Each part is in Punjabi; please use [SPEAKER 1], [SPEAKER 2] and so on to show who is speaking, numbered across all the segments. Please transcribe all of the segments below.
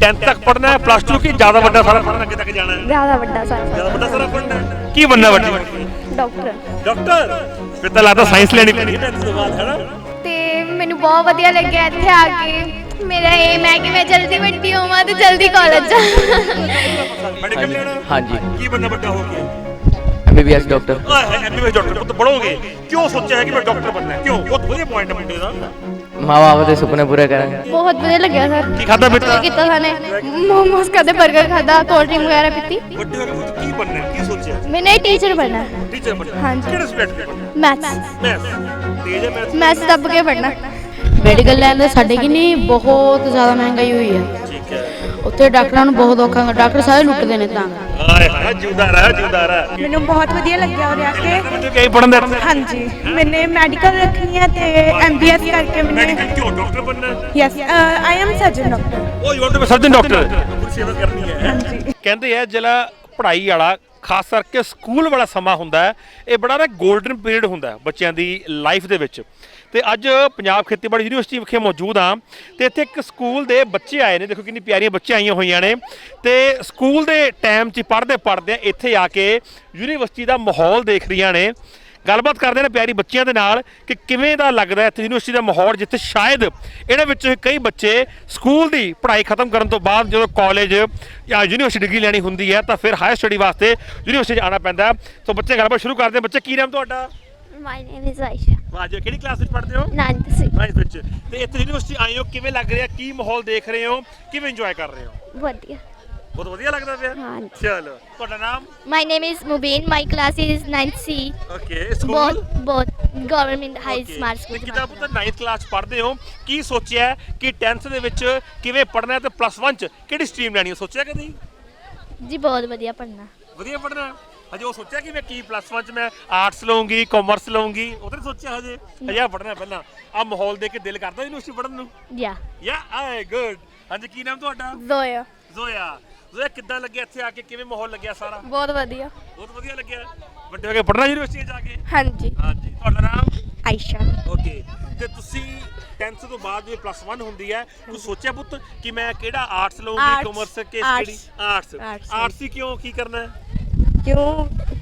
[SPEAKER 1] 10th तक पढ़ना है, प्लस 2 की ज्यादा बड़ा सारा पढ़ना आगे तक जाना है?
[SPEAKER 2] ज्यादा बड़ा सारा
[SPEAKER 1] ज्यादा बड़ा सारा पढ़ना है। की बनना बड़ी
[SPEAKER 2] ਡਾਕਟਰ
[SPEAKER 1] डॉक्टर? फिर तो लगता साइंस लेनी पैनी है 10th ਤੋਂ ਬਾਅਦ, है ना?
[SPEAKER 2] ਤੇ ਮੈਨੂੰ ਬਹੁਤ ਵਧੀਆ ਲੱਗਿਆ ਇੱਥੇ ਆ ਕੇ। ਮੇਰਾ ਏਮ ਹੈ ਕਿ ਮੈਂ ਜਲਦੀ ਵੱਡੀ ਹੋਵਾਂ ਤੇ ਜਲਦੀ ਕਾਲਜ ਜਾ।
[SPEAKER 1] मेडिकल लेना?
[SPEAKER 3] हाँ जी।
[SPEAKER 1] की बनना बड़ा हो गया?
[SPEAKER 3] MBBS doctor.
[SPEAKER 1] MBBS डॉक्टर तो बढ़ोगे। क्यों सोचा है कि मैं डॉक्टर बनना है? क्यों? बहुत बढ़िया पॉइंट है मुंडे दा।
[SPEAKER 3] माँ बाप के सुपने पूरे करेंगे।
[SPEAKER 2] ਬਹੁਤ ਵਧੀਆ ਲੱਗਿਆ ਸਰ।
[SPEAKER 1] की खाता बेटा?
[SPEAKER 2] ਕੀਤਾ ਸਾਨੇ ਮੋਮੋਸ ਖਾਦੇ, 버ਗਰ ਖਾਦਾ, ਕੋਲਡ ਡਰਿੰਕ ਵਗੈਰਾ ਪੀਤੀ।
[SPEAKER 1] ਵੱਡੇ ਹੋ ਕੇ ਪੁੱਤ ਕੀ ਬਣਨਾ ਹੈ? ਕੀ ਸੋਚਿਆ?
[SPEAKER 2] ਮੈਨੇ ਟੀਚਰ ਬਣਨਾ ਹੈ।
[SPEAKER 1] ਟੀਚਰ ਬਣਨਾ?
[SPEAKER 2] ਹਾਂਜੀ।
[SPEAKER 1] ਕਿਹੜੇ ਸਬਜੈਕਟ?
[SPEAKER 2] ਮੈਥਸ।
[SPEAKER 1] ਮੈਥ। ਤੇਜ ਹੈ ਮੈਥ?
[SPEAKER 2] ਮੈਥਸ ਦੱਬ ਕੇ ਪੜਨਾ।
[SPEAKER 4] ਮੈਡੀਕਲ ਲੈਣ ਦੇ ਸਾਡੇ ਕਿ ਨਹੀਂ ਬਹੁਤ ਜ਼ਿਆਦਾ ਮਹਿੰਗਾਈ ਹੋਈ ਹੈ।
[SPEAKER 1] ਠੀਕ ਹੈ।
[SPEAKER 4] ਉੱਥੇ ਡਾਕਟਰਾਂ ਨੂੰ ਬਹੁਤ ਔਖਾ ਹੁੰਦਾ, ਡਾਕਟਰ ਸਾਰੇ ਲੁੱਟਦੇ ਨੇ ਤਾਂ।
[SPEAKER 1] ਹਾਏ ਹਾਏ ਜਿਉਂਦਾ ਰਹਿ ਜਿਉਂਦਾ ਰਹਿ।
[SPEAKER 5] ਮੈਨੂੰ ਬਹੁਤ ਵਧੀਆ ਲੱਗਿਆ ਉਰੇ ਆ ਕੇ।
[SPEAKER 1] ਬੱਚੇ ਕਈ ਪੜਨ ਦੇ ਇੱਥੇ?
[SPEAKER 5] ਹਾਂਜੀ, ਮੈਨੇ ਮੈਡੀਕਲ ਰੱਖਣੀ ਹੈ ਤੇ MBS ਕਰਕੇ ਮੈਨੇ
[SPEAKER 1] ਮੈਡੀਕਲ ਕਿਉਂ ਡਾਕਟਰ ਬਣਨਾ ਹੈ?
[SPEAKER 5] Yes I am surgeon doctor.
[SPEAKER 1] Oh you want to be surgeon doctor? ਪੂਰੀ ਸੇਵਾ ਕਰਨੀ ਹੈ।
[SPEAKER 5] ਹਾਂਜੀ।
[SPEAKER 1] ਕਹਿੰਦੇ ਆ ਜਿਹੜਾ ਪੜ੍ਹਾਈ ਵਾਲਾ ਖਾਸ ਕਰਕੇ ਸਕੂਲ ਵਾਲਾ ਸਮਾਂ ਹੁੰਦਾ ਹੈ, ਇਹ ਬੜਾ ਨਾ 골ਡਨ ਪੀਰੀਅਡ ਹੁੰਦਾ ਹੈ ਬੱਚਿਆਂ ਦੀ ਲਾਈਫ ਦੇ ਵਿੱਚ। ਤੇ ਅੱਜ ਪੰਜਾਬ ਖੇਤੀਬਾੜੀ ਯੂਨੀਵਰਸਿਟੀ ਵਿਖੇ ਮੌਜੂਦ ਹਾਂ ਤੇ ਇੱਥੇ ਇੱਕ ਸਕੂਲ ਦੇ ਬੱਚੇ ਆਏ ਨੇ। ਦੇਖੋ ਕਿੰਨੀ ਪਿਆਰੀਆਂ ਬੱਚੀਆਂ ਆਈਆਂ ਹੋਈਆਂ ਨੇ ਤੇ ਸਕੂਲ ਦੇ ਟਾਈਮ 'ਚ ਪੜ੍ਹਦੇ ਇੱਥੇ ਆ ਕੇ ਯੂਨੀਵਰਸਿਟੀ ਦਾ ਮਾਹੌਲ ਦੇਖ ਰਹੀਆਂ ਨੇ। ਗੱਲਬਾਤ ਕਰਦੇ ਨੇ ਪਿਆਰੀ ਬੱਚਿਆਂ ਦੇ ਨਾਲ ਕਿ ਕਿਵੇਂ ਦਾ ਲੱਗਦਾ ਇੱਥੇ ਯੂਨੀਵਰਸਿਟੀ ਦਾ ਮਾਹੌਲ, ਜਿੱਥੇ ਸ਼ਾਇਦ ਇਹਨਾਂ ਵਿੱਚੋਂ ਕਈ ਬੱਚੇ ਸਕੂਲ ਦੀ ਪੜ੍ਹਾਈ ਖਤਮ ਕਰਨ ਤੋਂ ਬਾਅਦ ਜਦੋਂ ਕਾਲਜ ਜਾਂ ਯੂਨੀਵਰਸਿਟੀ ਡਿਗਰੀ ਲੈਣੀ ਹੁੰਦੀ ਹੈ ਤਾਂ ਫਿਰ ਹਾਇਰ ਸਟੱਡੀ ਵਾਸਤੇ ਯੂਨੀਵਰਸਿਟੀ 'ਚ ਆਉਣਾ ਪੈਂਦਾ। ਸੋ ਬੱਚੇ ਗੱਲਬਾਤ ਸ਼ੁਰੂ ਕਰਦੇ। ਬੱਚੇ ਕੀ ਨਾਮ ਤੁਹਾਡਾ?
[SPEAKER 2] My name is Ayesha.
[SPEAKER 1] ਵਾਹ ਜੀ, ਕਿਹੜੀ ਕਲਾਸ ਵਿੱਚ ਪੜ੍ਹਦੇ ਹੋ?
[SPEAKER 2] 9th ਸੀ।
[SPEAKER 1] 9th ਵਿੱਚ। ਤੇ ਇੱਥੇ ਯੂਨੀਵਰਸਿਟੀ ਆਏ ਹੋ, ਕਿਵੇਂ ਲੱਗ ਰਿਹਾ? ਕੀ ਮਾਹੌਲ ਦੇਖ ਰਹੇ ਹੋ? ਕਿਵੇਂ ਇੰਜੋਏ ਕਰ ਰਹੇ ਹੋ?
[SPEAKER 2] ਵਧੀਆ।
[SPEAKER 1] ਬਹੁਤ ਵਧੀਆ ਲੱਗਦਾ ਪਿਆ?
[SPEAKER 2] ਹਾਂਜੀ।
[SPEAKER 1] ਚਲੋ, ਤੁਹਾਡਾ ਨਾਮ?
[SPEAKER 2] My name is Mubeen. My class is 9th C।
[SPEAKER 1] Okay. School?
[SPEAKER 2] ਬਹੁਤ ਗਵਰਨਮੈਂਟ ਹਾਈ ਸਮਾਰਟ ਸਕੂਲ।
[SPEAKER 1] ਜਿੱਦਾਂ ਪੁੱਤ 9th ਕਲਾਸ ਪੜ੍ਹਦੇ ਹੋ, ਕੀ ਸੋਚਿਆ ਕਿ 10th ਦੇ ਵਿੱਚ ਕਿਵੇਂ ਪੜ੍ਹਨਾ ਹੈ ਤੇ +1 ਚ ਕਿਹੜੀ ਸਟਰੀਮ ਲੈਣੀ ਹੈ? ਸੋਚਿਆ ਕਦੀ?
[SPEAKER 2] ਜੀ ਬਹੁਤ ਵਧੀਆ ਪੜ੍ਹਨਾ।
[SPEAKER 1] ਵਧੀਆ ਪੜ੍ਹਨਾ? ਹਜੇ ਉਹ ਸੋਚਿਆ ਕਿ ਮੈਂ ਕੀ +1 ਚ ਮੈਂ ਆਰਟਸ ਲਵਾਂਗੀ, ਕਾਮਰਸ ਲਵਾਂਗੀ? ਉਹ ਤਾਂ ਸੋਚਿਆ ਹਜੇ ਆ ਪੜ੍ਹਨਾ ਪਹਿਲਾਂ। ਆ ਮਾਹੌਲ ਦੇਖ ਕੇ ਦਿਲ ਕਰਦਾ ਯੂਨੀਵਰਸਿਟੀ ਪੜ੍ਹਨ ਨੂੰ?
[SPEAKER 2] ਯਾ
[SPEAKER 1] ਆਏ ਗੁੱਡ। ਹਾਂਜੀ, ਕੀ ਨਾਮ ਤੁਹਾਡਾ?
[SPEAKER 2] ਜ਼ੋਇਆ।
[SPEAKER 1] ਜ਼ੋਇਆ। ਜ਼ੋਇਆ, ਕਿੱਦਾਂ ਲੱਗਿਆ ਇੱਥੇ ਆ ਕੇ? ਕਿਵੇਂ ਮਾਹੌਲ ਲੱਗਿਆ ਸਾਰਾ?
[SPEAKER 2] ਬਹੁਤ ਵਧੀਆ।
[SPEAKER 1] ਬਹੁਤ ਵਧੀਆ ਲੱਗਿਆ। ਵੱਡੇ ਹੋ ਕੇ ਪੜ੍ਹਨਾ ਯੂਨੀਵਰਸਿਟੀ ਜਾ ਕੇ?
[SPEAKER 2] ਹਾਂਜੀ।
[SPEAKER 1] ਹਾਂਜੀ। ਤੁਹਾਡਾ ਨਾਮ?
[SPEAKER 5] ਆਇਸ਼ਾ।
[SPEAKER 1] ਓਕੇ। ਤੇ ਤੁਸੀਂ 10th ਤੋਂ ਬਾਅਦ ਜੇ +1 ਹੁੰਦੀ ਹੈ, ਤੂੰ ਸੋਚਿਆ ਪੁੱਤ ਕਿ ਮੈਂ ਕਿਹੜਾ ਆਰਟਸ ਲਵਾਂਗੀ, ਕਾਮਰਸ ਕਿ ਕਿਹੜੀ? ਆਰਟਸ ਹੀ ਕਿਉਂ? ਕੀ ਕਰਨਾ ਹੈ?
[SPEAKER 5] ਕਿਉਂ?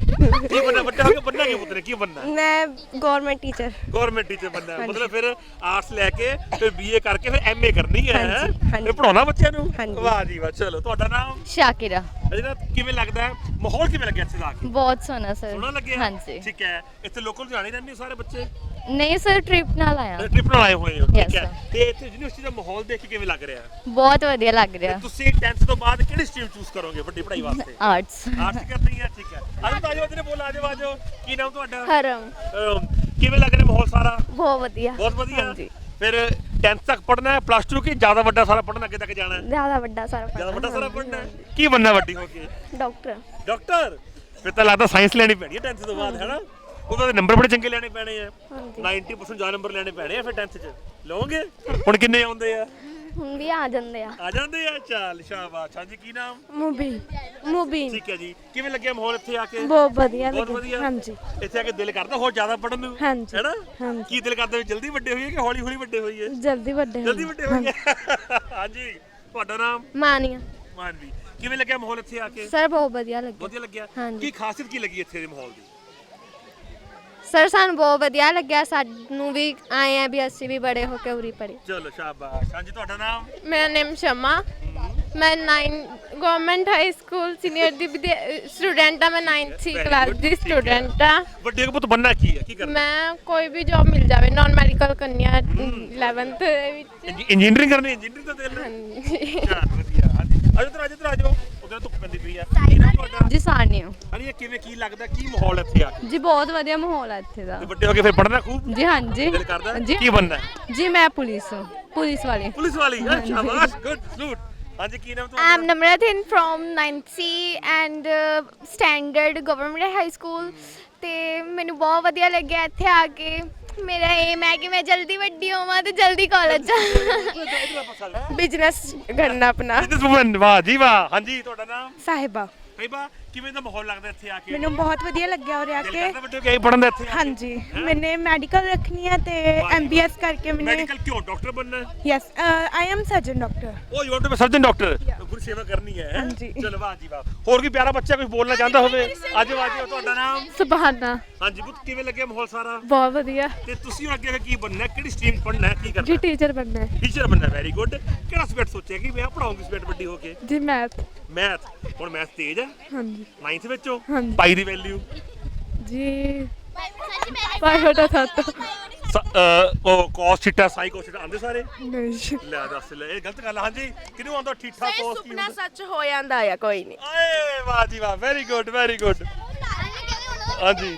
[SPEAKER 1] ਕੀ ਬਣਨਾ? ਵੱਡਾ ਹੋ ਕੇ ਬਣਨਾ ਕੀ ਪੁੱਤ ਨੇ? ਕੀ ਬਣਨਾ?
[SPEAKER 5] ਮੈਂ ਗਵਰਨਮੈਂਟ ਟੀਚਰ।
[SPEAKER 1] ਗਵਰਨਮੈਂਟ ਟੀਚਰ ਬਣਨਾ ਹੈ। ਮਤਲਬ ਫਿਰ ਆਰਟਸ ਲੈ ਕੇ ਫਿਰ BA ਕਰਕੇ ਫਿਰ MA ਕਰਨੀ ਹੈ?
[SPEAKER 5] ਹਾਂਜੀ।
[SPEAKER 1] ਫਿਰ ਪੜਾਉਣਾ ਬੱਚਿਆਂ ਨੂੰ?
[SPEAKER 5] ਹਾਂਜੀ।
[SPEAKER 1] ਵਾਹ ਜੀ ਵਾਹ। ਚਲੋ, ਤੁਹਾਡਾ ਨਾਮ?
[SPEAKER 4] ਸ਼ਾਕਿਰਾ।
[SPEAKER 1] ਅਜਿਹਾ ਕਿਵੇਂ ਲੱਗਦਾ ਹੈ? ਮਾਹੌਲ ਕਿਵੇਂ ਲੱਗਿਆ ਇੱਥੇ ਆ ਕੇ?
[SPEAKER 4] ਬਹੁਤ ਸੋਹਣਾ ਸਰ।
[SPEAKER 1] ਸੋਹਣਾ ਲੱਗਿਆ?
[SPEAKER 4] ਹਾਂਜੀ।
[SPEAKER 1] ਠੀਕ ਹੈ। ਇੱਥੇ ਲੋਕਲ ਜਾਣੇ ਰਹਿੰਦੇ ਹੋ ਸਾਰੇ ਬੱਚੇ?
[SPEAKER 4] ਨਹੀਂ ਸਰ, ਟ੍ਰਿਪ ਨਾਲ ਆਇਆ।
[SPEAKER 1] ਟ੍ਰਿਪ ਨਾਲ ਆਏ ਹੋਏ ਹੋ? ਠੀਕ
[SPEAKER 4] Yes,
[SPEAKER 1] ਹੈ।
[SPEAKER 4] sir।
[SPEAKER 1] ਤੇ ਇੱਥੇ ਯੂਨੀਵਰਸਿਟੀ ਦਾ ਮਾਹੌਲ ਦੇਖ ਕੇ ਕਿਵੇਂ ਲੱਗ ਰਿਹਾ?
[SPEAKER 4] ਬਹੁਤ ਵਧੀਆ ਲੱਗ ਰਿਹਾ।
[SPEAKER 1] ਤੁਸੀਂ 10th ਤੋਂ ਬਾਅਦ ਕਿਹੜੀ ਸਟਰੀਮ ਚੂਜ਼ ਕਰੋਗੇ ਵੱਡੀ ਪੜ੍ਹਾਈ ਵਾਸਤੇ?
[SPEAKER 4] ਆਰਟਸ।
[SPEAKER 1] ਆਰਟਸ ਕਰਨੀ ਹੈ? ਠੀਕ ਹੈ। ਆਜੋ ਤੇਰੇ ਬੋਲ ਆਜੋ। ਕੀ ਨਾਮ ਤੁਹਾਡਾ?
[SPEAKER 2] ਹਰਮ।
[SPEAKER 1] ਕਿਵੇਂ ਲੱਗ ਰਿਹਾ ਮਾਹੌਲ ਸਾਰਾ?
[SPEAKER 2] ਬਹੁਤ ਵਧੀਆ।
[SPEAKER 1] ਬਹੁਤ ਵਧੀਆ।
[SPEAKER 2] ਹਾਂਜੀ।
[SPEAKER 1] ਫਿਰ 10th ਤੱਕ ਪੜ੍ਹਨਾ ਹੈ, +2 ਕੀ ਜ਼ਿਆਦਾ ਵੱਡਾ ਸਾਰਾ ਪੜ੍ਹਨਾ ਅੱਗੇ ਤੱਕ ਜਾਣਾ ਹੈ?
[SPEAKER 2] ਜ਼ਿਆਦਾ ਵੱਡਾ ਸਾਰਾ
[SPEAKER 1] ਜ਼ਿਆਦਾ ਵੱਡਾ ਸਾਰਾ ਪੜ੍ਹਨਾ ਹੈ। ਕੀ ਬਣਨਾ ਵੱਡੀ ਹੋ ਕੇ?
[SPEAKER 2] ਡਾਕਟਰ।
[SPEAKER 1] ਡਾਕਟਰ? ਫਿਰ ਤਾਂ ਲੱਗਦਾ ਸਾਇੰਸ ਲੈਣੀ ਪੈਣੀ ਹੈ 10th ਤੋਂ ਬਾਅਦ, ਹੈ ਨਾ? ਉਹਦੇ ਨੰਬਰ ਬੜੇ ਚੰਗੇ ਲੈਣੇ ਪੈਣੇ ਆ। 90% ਜ਼ਿਆਦਾ ਨੰਬਰ ਲੈਣੇ ਪੈਣੇ ਆ ਫਿਰ 10th 'ਚ। ਲਓਗੇ? ਹੁਣ ਕਿੰਨੇ ਆਉਂਦੇ ਆ?
[SPEAKER 2] ਹੁਣ ਵੀ ਆ ਜਾਂਦੇ ਆ।
[SPEAKER 1] ਆ ਜਾਂਦੇ ਆ? ਚੱਲ ਸ਼ਾਬਾਸ਼। ਹਾਂਜੀ, ਕੀ ਨਾਮ?
[SPEAKER 5] ਮੁਬੀਨ।
[SPEAKER 1] ਠੀਕ ਹੈ ਜੀ। ਕਿਵੇਂ ਲੱਗਿਆ ਮਾਹੌਲ ਇੱਥੇ ਆ ਕੇ?
[SPEAKER 5] ਬਹੁਤ ਵਧੀਆ
[SPEAKER 1] ਬਹੁਤ
[SPEAKER 5] ਲੱਗਿਆ।
[SPEAKER 1] ਵਧੀਆ।
[SPEAKER 5] ਹਾਂਜੀ।
[SPEAKER 1] ਇੱਥੇ ਆ ਕੇ ਦਿਲ ਕਰਦਾ ਹੋਰ ਜ਼ਿਆਦਾ ਪੜਨ ਨੂੰ?
[SPEAKER 5] ਹਾਂਜੀ।
[SPEAKER 1] ਹੈਨਾ?
[SPEAKER 5] ਹਾਂਜੀ।
[SPEAKER 1] ਕੀ ਦਿਲ ਕਰਦਾ ਵੀ ਜਲਦੀ ਵੱਡੇ ਹੋਈਏ ਕਿ ਹੌਲੀ ਹੌਲੀ ਵੱਡੇ ਹੋਈਏ?
[SPEAKER 5] ਜਲਦੀ ਵੱਡੇ
[SPEAKER 1] ਜਲਦੀ ਵੱਡੇ ਹੋਈਏ। ਹਾਂਜੀ। ਤੁਹਾਡਾ ਨਾਮ?
[SPEAKER 2] ਮਾਨੀਆ।
[SPEAKER 1] ਮਾਨਵੀ। ਕਿਵੇਂ ਲੱਗਿਆ ਮਾਹੌਲ ਇੱਥੇ ਆ ਕੇ?
[SPEAKER 2] ਸਰ ਬਹੁਤ ਵਧੀਆ ਲੱਗਿਆ।
[SPEAKER 1] ਵਧੀਆ ਲੱਗਿਆ?
[SPEAKER 2] ਹਾਂਜੀ।
[SPEAKER 1] ਕੀ ਖਾਸੀਅਤ ਕੀ ਲੱਗੀ ਇੱਥੇ ਦੇ ਮਾਹੌਲ ਦੀ?
[SPEAKER 2] ਸਰ ਸਾਨੂੰ ਬਹੁਤ ਵਧੀਆ ਲੱਗਿਆ। ਸਾਨੂੰ ਵੀ ਆਏ ਆ ਵੀ ਅਸੀਂ ਵੀ ਬੜੇ ਹੋ ਕੇ ਉਰੀ ਪੜੇ।
[SPEAKER 1] ਚਲੋ ਸ਼ਾਬਾਸ਼। ਹਾਂਜੀ, ਤੁਹਾਡਾ ਨਾਮ?
[SPEAKER 6] ਮੇਰਾ ਨੇਮ ਸ਼ਮਾ। ਮੈਂ 9 ਗਵਰਨਮੈਂਟ ਹਾਈ ਸਕੂਲ ਸੀਨੀਅਰ ਦੀ ਸਟੂਡੈਂਟ ਆ। ਮੈਂ 9th C ਕਲਾਸ ਦੀ ਸਟੂਡੈਂਟ ਆ।
[SPEAKER 1] ਵੱਡੇ ਹੋ ਕੇ ਪੁੱਤ ਬਣਨਾ ਕੀ ਹੈ? ਕੀ ਕਰਨਾ?
[SPEAKER 6] ਮੈਂ ਕੋਈ ਵੀ ਜੌਬ ਮਿਲ ਜਾਵੇ, ਨਾਨ ਮੈਡੀਕਲ ਕਰਨੀ ਆ 11th ਦੇ ਵਿੱਚ।
[SPEAKER 1] ਇੰਜੀਨੀਅਰਿੰਗ ਕਰਨੀ? ਇੰਜੀਨੀਅਰਿੰਗ ਦਾ ਦਿਲ ਹੈ? ਚੱਲ ਵਧੀਆ। ਹਾਂਜੀ, ਆਜੋ ਉਧਰ ਧੁੱਪ ਪੈਂਦੀ ਪਈ ਆ। ਕੀ ਨਾਮ ਤੁਹਾਡਾ?
[SPEAKER 4] ਜੀ ਸਾਨੀਓ।
[SPEAKER 1] ਹਾਂਜੀ, ਕਿਵੇਂ ਕੀ ਲੱਗਦਾ? ਕੀ ਮਾਹੌਲ ਇੱਥੇ ਆ ਕੇ?
[SPEAKER 4] ਜੀ ਬਹੁਤ ਵਧੀਆ ਮਾਹੌਲ ਹੈ ਇੱਥੇ ਦਾ।
[SPEAKER 1] ਤੇ ਵੱਡੇ ਹੋ ਕੇ ਫਿਰ ਪੜਨਾ ਖੂਬ?
[SPEAKER 4] ਜੀ ਹਾਂਜੀ।
[SPEAKER 1] ਦਿਲ ਕਰਦਾ?
[SPEAKER 4] ਜੀ।
[SPEAKER 1] ਕੀ ਬਣਨਾ ਹੈ?
[SPEAKER 4] ਜੀ ਮੈਂ ਪੁਲਿਸ ਵਾਲੀ।
[SPEAKER 1] ਪੁਲਿਸ ਵਾਲੀ? ਸ਼ਾਬਾਸ਼, ਗੁੱਡ ਸਲੂਟ। ਹਾਂਜੀ, ਕੀ ਨਾਮ
[SPEAKER 2] I
[SPEAKER 1] ਤੁਹਾਡਾ?
[SPEAKER 2] am Namratin from 9th C and standard government high school ਤੇ ਮੈਨੂੰ ਬਹੁਤ ਵਧੀਆ ਲੱਗਿਆ ਇੱਥੇ ਆ ਕੇ। ਮੇਰਾ ਏਮ ਹੈ ਕਿ ਮੈਂ ਜਲਦੀ ਵੱਡੀ ਹੋਵਾਂ ਤੇ ਜਲਦੀ ਕਾਲਜ ਜਾ।
[SPEAKER 6] ਬਿਜ਼ਨਸ ਕਰਨਾ ਆਪਣਾ।
[SPEAKER 1] ਬਿਜ਼ਨਸਵੂਮਨ। ਵਾਹ ਜੀ ਵਾਹ। ਹਾਂਜੀ, ਤੁਹਾਡਾ ਨਾਮ?
[SPEAKER 5] ਸਾਹਿਬਾ।
[SPEAKER 1] ਸਾਹਿਬਾ, ਕਿਵੇਂ ਦਾ ਮਾਹੌਲ ਲੱਗਦਾ ਇੱਥੇ ਆ ਕੇ?
[SPEAKER 5] ਮੈਨੂੰ ਬਹੁਤ ਵਧੀਆ ਲੱਗਿਆ ਉਰੇ ਆ
[SPEAKER 1] ਦਿਲ
[SPEAKER 5] ਕੇ
[SPEAKER 1] ਕਰਦਾ ਬੱਚੇ ਕਿ ਪੜਨ ਦਾ ਇੱਥੇ?
[SPEAKER 5] ਹਾਂਜੀ ਮੈਨੇ ਮੈਡੀਕਲ ਰੱਖਣੀ ਹੈ ਤੇ ਐਮਬੀਐਸ ਕਰਕੇ ਮੈਨੇ
[SPEAKER 1] ਮੈਡੀਕਲ ਕਿਉਂ ਡਾਕਟਰ ਬਣਨਾ ਹੈ?
[SPEAKER 5] Yes I am surgeon doctor
[SPEAKER 1] oh you want to be surgeon doctor, ਗੁਰੂ ਸੇਵਾ ਕਰਨੀ ਹੈ।
[SPEAKER 5] ਹਾਂਜੀ।
[SPEAKER 1] ਚਲੋ ਵਾਹ ਜੀ ਵਾਹ। ਹੋਰ ਕੋਈ ਪਿਆਰਾ ਬੱਚਾ ਕੁਝ ਬੋਲਣਾ ਚਾਹੁੰਦਾ ਹੋਵੇ? ਆਜੋ ਆਜੋ, ਤੁਹਾਡਾ ਨਾਮ?
[SPEAKER 6] ਸੁਭਾਨਾ।
[SPEAKER 1] ਹਾਂਜੀ ਪੁੱਤ, ਕਿਵੇਂ ਲੱਗਿਆ ਮਾਹੌਲ ਸਾਰਾ?
[SPEAKER 6] ਬਹੁਤ ਵਧੀਆ
[SPEAKER 1] ਤੇ ਤੁਸੀਂ ਹੁਣ ਅੱਗੇ ਕੀ ਬਣਨਾ ਹੈ? ਕਿਹੜੀ ਸਟਰੀਮ ਪੜ੍ਹਨਾ ਹੈ? ਕੀ ਕਰਨਾ
[SPEAKER 6] ਜੀ,
[SPEAKER 1] ਹੈ?
[SPEAKER 6] ਟੀਚਰ ਬਣਨਾ ਹੈ
[SPEAKER 1] ਟੀਚਰ ਬਣਨਾ। Very good. ਕਿਹੜਾ ਸਬਜੈਕਟ ਸੋਚਿਆ ਕਿ ਮੈਂ ਪੜਾਉਂਗੀ ਸਬਜੈਕਟ ਵੱਡੀ ਹੋ ਕੇ?
[SPEAKER 6] ਜੀ, ਮੈਥ।
[SPEAKER 1] ਮੈਥ। ਹੁਣ ਮੈਥ ਤੇਜ਼ ਹੈ?
[SPEAKER 6] ਹਾਂਜੀ
[SPEAKER 1] 9th ਵਿੱਚੋਂ?
[SPEAKER 6] ਹਾਂਜੀ।
[SPEAKER 1] ਪਾਈ ਦੀ ਵੈਲਿਊ?
[SPEAKER 6] ਜੀ 5/7।
[SPEAKER 1] ਉਹ cos theta sin cos theta ਆਉਂਦੇ ਸਾਰੇ?
[SPEAKER 6] ਨਹੀਂ
[SPEAKER 1] ਲੈ ਦੱਸ ਲੈ, ਇਹ ਗਲਤ ਗੱਲ ਆ। ਹਾਂਜੀ, ਕਿਹਨੂੰ ਆਉਂਦਾ ਠੀਕ ਠਾਕ cos ਕੀ ਹੁੰਦਾ?
[SPEAKER 7] ਸੱਚ ਹੋ ਜਾਂਦਾ ਆ ਕੋਈ ਨਹੀਂ।
[SPEAKER 1] ਆਏ ਵਾਹ ਜੀ ਵਾਹ, ਵੈਰੀ ਗੁੱਡ ਵੈਰੀ ਗੁੱਡ। ਹਾਂਜੀ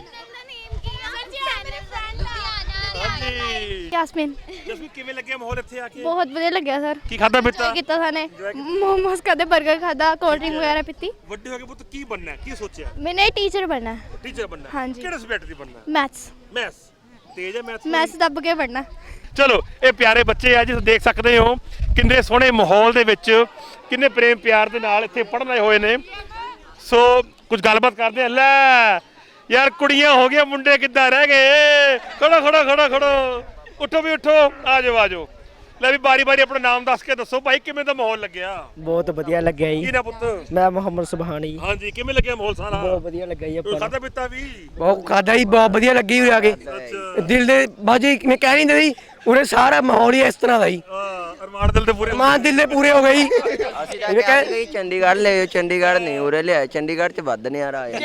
[SPEAKER 1] ਹਾਂਜੀ।
[SPEAKER 2] ਜੈਸਮੀਨ
[SPEAKER 1] ਜਸਮੀ, ਕਿਵੇਂ ਲੱਗਿਆ ਮਾਹੌਲ ਇੱਥੇ ਆ ਕੇ?
[SPEAKER 2] ਬਹੁਤ ਵਧੀਆ ਲੱਗਿਆ ਸਰ।
[SPEAKER 1] ਕੀ ਖਾਦਾ ਪੀਤਾ?
[SPEAKER 2] ਕੀਤਾ ਸਾਨੇ ਮੋਮੋਸ ਖਾਦੇ, 버ਗਰ ਖਾਦਾ, ਕੋਲਡ ਡਰਿੰਕ ਵਗੈਰਾ ਪੀਤੀ।
[SPEAKER 1] ਵੱਡੇ ਹੋ ਕੇ ਪੁੱਤ ਕੀ ਬਣਨਾ ਹੈ? ਕੀ ਸੋਚਿਆ?
[SPEAKER 2] ਮੈਨੇ ਟੀਚਰ ਬਣਨਾ,
[SPEAKER 1] ਟੀਚਰ ਬਣਨਾ।
[SPEAKER 2] ਹਾਂਜੀ।
[SPEAKER 1] ਕਿਹੜੇ ਸਬਜੈਕਟ ਦੀ ਬਣਨਾ?
[SPEAKER 2] ਮੈਥਸ।
[SPEAKER 1] ਮੈਥਸ। ਤੇਜ਼ ਹੈ ਮੈਥਸ?
[SPEAKER 2] ਮੈਥਸ ਦੱਬ ਕੇ ਪੜਨਾ।
[SPEAKER 1] ਚਲੋ, ਇਹ ਪਿਆਰੇ ਬੱਚੇ ਆ, ਜਿਸ ਦੇਖ ਸਕਦੇ ਹੋ ਕਿੰਨੇ ਸੋਹਣੇ ਮਾਹੌਲ ਦੇ ਵਿੱਚ ਕਿੰਨੇ ਪ੍ਰੇਮ ਪਿਆਰ ਦੇ ਨਾਲ ਇੱਥੇ ਪੜ੍ਹਨ ਆਏ ਹੋਏ ਨੇ। ਸੋ ਕੁਝ ਗੱਲਬਾਤ ਕਰਦੇ ਆ। ਲੈ ਯਾਰ, ਕੁੜੀਆਂ ਹੋ ਗਈਆਂ, ਮੁੰਡੇ ਕਿੱਦਾਂ ਰਹਿ ਗਏ? ਖੜੋ ਖੜੋ ਖੜੋ ਖੜੋ, ਉੱਠੋ ਵੀ ਉੱਠੋ, ਆ ਜਾਓ ਆ ਜਾਓ। ਲੈ ਵੀ ਬਾਰੀ ਬਾਰੀ ਆਪਣਾ ਨਾਮ ਦੱਸ ਕੇ ਦੱਸੋ ਭਾਈ, ਕਿਵੇਂ ਦਾ ਮਾਹੌਲ ਲੱਗਿਆ?
[SPEAKER 3] ਬਹੁਤ ਵਧੀਆ ਲੱਗਿਆ
[SPEAKER 1] ਕੀ
[SPEAKER 3] ਜੀ।
[SPEAKER 1] ਨਾ ਪੁੱਤ?
[SPEAKER 3] ਮੈਂ ਮੁਹੰਮਦ ਸੁਭਾਨੀ।
[SPEAKER 1] ਹਾਂਜੀ, ਕਿਵੇਂ ਲੱਗਿਆ ਮਾਹੌਲ ਸਾਰਾ?
[SPEAKER 3] ਬਹੁਤ ਵਧੀਆ ਲੱਗਿਆ ਜੀ
[SPEAKER 1] ਕੋਈ
[SPEAKER 3] ਆਪਾਂ
[SPEAKER 1] ਖਾਧਾ ਪੀਤਾ ਵੀ?
[SPEAKER 3] ਬਹੁਤ ਖਾਦਾ ਜੀ, ਬਹੁਤ ਵਧੀਆ ਲੱਗੀ ਉਰੇ ਆ ਕੇ।
[SPEAKER 1] ਅੱਛਾ।
[SPEAKER 3] ਦਿਲ ਦੇ ਬਾਜੀ ਮੈਂ ਕਹਿ ਨਹੀਂ ਦਿੰਦੀ, ਉਰੇ ਸਾਰਾ ਮਾਹੌਲ ਹੀ ਇਸ ਤਰ੍ਹਾਂ ਦਾ ਜੀ।
[SPEAKER 1] ਅਰਮਾਨ ਦਿਲ ਦੇ ਪੂਰੇ?
[SPEAKER 3] ਮਾਂ ਦਿਲ ਦੇ ਪੂਰੇ ਹੋ ਗਈ।
[SPEAKER 7] ਅਸੀਂ ਤਾਂ ਕਹਿੰਦੇ ਚੰਡੀਗੜ੍ਹ ਲੈ ਚੰਡੀਗੜ੍ਹ ਨਹੀਂ ਉਰੇ ਲਿਆ, ਚੰਡੀਗੜ੍ਹ ਚ ਵੱਧ ਨਜ਼ਾਰਾ ਆਇਆ।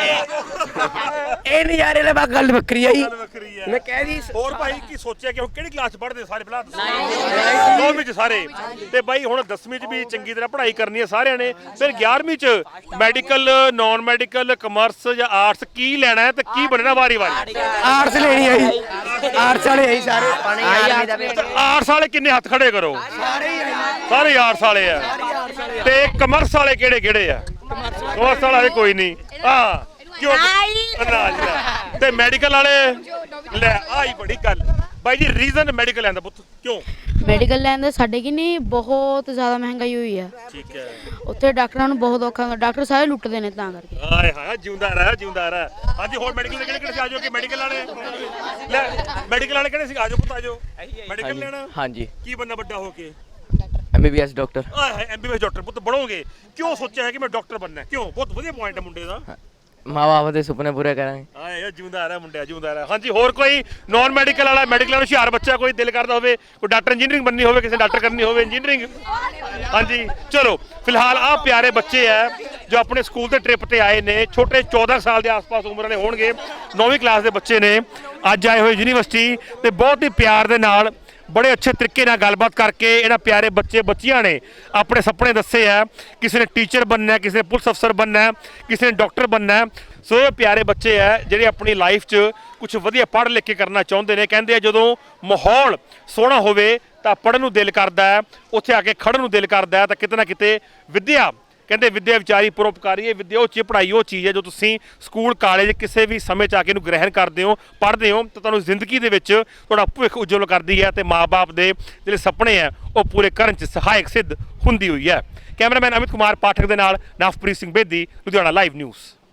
[SPEAKER 3] ਇਹ ਨਜ਼ਾਰੇ ਵਾਲੀ ਬਾਤ ਗੱਲ ਵੱਖਰੀ ਆ ਜੀ।
[SPEAKER 1] ਵੱਖਰੀ ਹੈ।
[SPEAKER 3] ਮੈਂ ਕਹਿ ਦੀ
[SPEAKER 1] ਹੋਰ ਭਾਈ ਕੀ ਸੋਚਿਆ ਕਿ ਹੁਣ ਕਿਹੜੀ ਕਲਾਸ ਚ ਪੜ੍ਹਦੇ ਸਾਰੇ? ਪਹਿਲਾਂ 9ਵੀਂ ਚ ਸਾਰੇ। ਤੇ ਬਾਈ ਹੁਣ 10ਵੀਂ ਚ ਵੀ ਚੰਗੀ ਤਰ੍ਹਾਂ ਪੜ੍ਹਾਈ ਕਰਨੀ ਹੈ ਸਾਰਿਆਂ ਨੇ। ਫਿਰ 11ਵੀਂ ਚ ਮੈਡੀਕਲ, ਨਾਨ ਮੈਡੀਕਲ, ਕਮਰਸ ਜਾਂ ਆਰਟਸ ਕੀ ਲੈਣਾ ਹੈ ਤੇ ਕੀ ਬਣਨਾ ਵਾਰੀ ਵਾਰੀ?
[SPEAKER 3] ਆਰਟਸ ਲੈਣੀ ਆ ਜੀ। ਆਰਟਸ ਵਾਲੇ ਆ ਜੀ ਸਾਰੇ।
[SPEAKER 1] ਆਰਟਸ ਵਾਲੇ ਕਿੰਨੇ ਹੱਥ ਖੜੇ ਕਰੋ? ਸਾਰੇ ਆਰਟਸ ਵਾਲੇ ਆ। ਤੇ ਕਮਰਸ ਵਾਲੇ ਕਿਹੜੇ ਕਿਹੜੇ ਆ? ਕਮਰਸ ਵਾਲੇ ਕੋਈ ਨਹੀਂ। ਹਾਂ ਕਿਉਂ? ਅਨਾਜ ਲੈ। ਤੇ ਮੈਡੀਕਲ ਵਾਲੇ? ਲੈ ਆਈ ਬੜੀ ਗੱਲ ਬਾਈ ਜੀ। ਰੀਜ਼ਨ ਮੈਡੀਕਲ ਲੈਂਦਾ ਪੁੱਤ ਕਿਉਂ?
[SPEAKER 4] ਮੈਡੀਕਲ ਲੈਣ ਦੇ ਸਾਡੇ ਕੀ ਨਹੀਂ, ਬਹੁਤ ਜ਼ਿਆਦਾ ਮਹਿੰਗਾਈ ਹੋਈ ਆ।
[SPEAKER 1] ਠੀਕ ਹੈ।
[SPEAKER 4] ਉੱਥੇ ਡਾਕਟਰਾਂ ਨੂੰ ਬਹੁਤ ਔਖਾ, ਡਾਕਟਰ ਸਾਰੇ ਲੁੱਟਦੇ ਨੇ ਤਾਂ ਕਰਕੇ।
[SPEAKER 1] ਹਾਏ ਹਾਏ, ਜਿਉਂਦਾ ਰਹਿ ਜਿਉਂਦਾ ਰਹਿ। ਹਾਂਜੀ, ਹੋਰ ਮੈਡੀਕਲ ਦੇ ਕਿਹੜੇ ਕਿਹੜੇ ਸੀ? ਆਜੋ ਕਿ ਮੈਡੀਕਲ ਵਾਲੇ ਲੈ, ਮੈਡੀਕਲ ਵਾਲੇ ਕਿਹੜੇ ਸੀ? ਆਜੋ ਪੁੱਤ ਆਜੋ। ਮੈਡੀਕਲ ਲੈਣਾ?
[SPEAKER 3] ਹਾਂਜੀ।
[SPEAKER 1] ਕੀ ਬੰਨਾ ਵੱਡਾ ਹੋ ਕੇ?
[SPEAKER 3] MBBS doctor.
[SPEAKER 1] ਆਏ ਹਾਏ, ਐਮਬੀਬੀਐਸ ਡਾਕਟਰ ਪੁੱਤ ਬਣੋਗੇ? ਕਿਉਂ ਸੋਚਿਆ ਹੈ ਕਿ ਮੈਂ ਡਾਕਟਰ ਬਣਨਾ? ਕਿਉਂ? ਬਹੁਤ ਵਧੀਆ ਪੁਆਇੰਟ ਹੈ ਮੁੰਡੇ ਦਾ।
[SPEAKER 3] ਮਾਂ-ਬਾਪ ਦੇ ਸੁਪਨੇ ਪੂਰੇ ਕਰਾਂਗੇ।
[SPEAKER 1] ਆਏ ਜਿਉਂਦਾ ਰਹਿ ਮੁੰਡਿਆ, ਜਿਉਂਦਾ ਰਹਿ। ਹਾਂਜੀ, ਹੋਰ ਕੋਈ ਨਾਨ ਮੈਡੀਕਲ ਵਾਲਾ, ਮੈਡੀਕਲ ਵਾਲਾ ਹੁਸ਼ਿਆਰ ਬੱਚਾ ਕੋਈ ਦਿਲ ਕਰਦਾ ਹੋਵੇ, ਕੋਈ ਡਾਕਟਰ ਇੰਜੀਨੀਅਰਿੰਗ ਬਣਨੀ ਹੋਵੇ, ਕਿਸੇ ਡਾਕਟਰ ਕਰਨੀ ਹੋਵੇ ਇੰਜੀਨੀਅਰਿੰਗ? ਹਾਂਜੀ ਚਲੋ, ਫਿਲਹਾਲ ਆਹ ਪਿਆਰੇ ਬੱਚੇ ਆ ਜੋ ਆਪਣੇ ਸਕੂਲ ਦੇ ਟ੍ਰਿਪ ਤੇ ਆਏ ਨੇ। ਛੋਟੇ 14 ਸਾਲ ਦੇ ਆਸ-ਪਾਸ ਉਮਰ ਵਾਲੇ ਹੋਣਗੇ, 9ਵੀਂ ਕਲਾਸ ਦੇ ਬੱਚੇ ਨੇ, ਅੱਜ ਆਏ ਹੋਏ ਯੂਨੀਵਰਸਿਟੀ। ਤੇ ਬਹੁਤ ਹੀ ਪਿਆਰ ਦੇ ਨਾਲ, ਬੜੇ ਅੱਛੇ ਤਰੀਕੇ ਨਾਲ ਗੱਲਬਾਤ ਕਰਕੇ ਇਹਨਾਂ ਪਿਆਰੇ ਬੱਚੇ ਬੱਚੀਆਂ ਨੇ ਆਪਣੇ ਸੁਪਨੇ ਦੱਸੇ ਆ। ਕਿਸੇ ਨੇ ਟੀਚਰ ਬਣਨਾ, ਕਿਸੇ ਨੇ ਪੁਲਿਸ ਅਫਸਰ ਬਣਨਾ, ਕਿਸੇ ਨੇ ਡਾਕਟਰ ਬਣਨਾ। ਸੋ ਇਹ ਪਿਆਰੇ ਬੱਚੇ ਆ ਜਿਹੜੇ ਆਪਣੀ ਲਾਈਫ 'ਚ ਕੁਝ ਵਧੀਆ ਪੜ੍ਹ ਲਿਖ ਕੇ ਕਰਨਾ ਚਾਹੁੰਦੇ ਨੇ। ਕਹਿੰਦੇ ਆ ਜਦੋਂ ਮਾਹੌਲ ਸੋਹਣਾ ਹੋਵੇ ਤਾਂ ਪੜ੍ਹਨ ਨੂੰ ਦਿਲ ਕਰਦਾ ਹੈ, ਉੱਥੇ ਆ ਕੇ ਖੜ੍ਹਨ ਨੂੰ ਦਿਲ ਕਰਦਾ ਹੈ। ਤਾਂ ਕਿਤੇ ਨਾ ਕਿਤੇ ਵਿੱਦਿਆ, ਕਹਿੰਦੇ ਵਿੱਦਿਆ ਵਿਚਾਰੀ ਪਰਉਪਕਾਰੀ ਹੈ। ਵਿੱਦਿਆ ਉਹ ਚੀਜ਼, ਪੜ੍ਹਾਈ ਉਹ ਚੀਜ਼ ਹੈ ਜੋ ਤੁਸੀਂ ਸਕੂਲ ਕਾਲਜ ਕਿਸੇ ਵੀ ਸਮੇਂ 'ਚ ਆ ਕੇ ਇਹਨੂੰ ਗ੍ਰਹਿਣ ਕਰਦੇ ਹੋ, ਪੜ੍ਹਦੇ ਹੋ, ਤਾਂ ਤੁਹਾਨੂੰ ਜ਼ਿੰਦਗੀ ਦੇ ਵਿੱਚ ਤੁਹਾਡਾ ਭਵਿੱਖ ਉਜਵਲ ਕਰਦੀ ਹੈ ਤੇ ਮਾਂ-ਬਾਪ ਦੇ ਜਿਹੜੇ ਸੁਪਨੇ ਆ ਉਹ ਪੂਰੇ ਕਰਨ 'ਚ ਸਹਾਇਕ ਸਿੱਧ ਹੁੰਦੀ ਹੋਈ ਹੈ। ਕੈਮਰਾਮੈਨ ਅਮਿਤ ਕੁਮਾਰ ਪਾਠਕ ਦੇ ਨਾਲ ਨਵਪ੍ਰੀਤ ਸਿੰਘ ਬੇਦੀ, ਲੁਧਿਆਣਾ ਲਾਈਵ ਨਿਊਜ਼।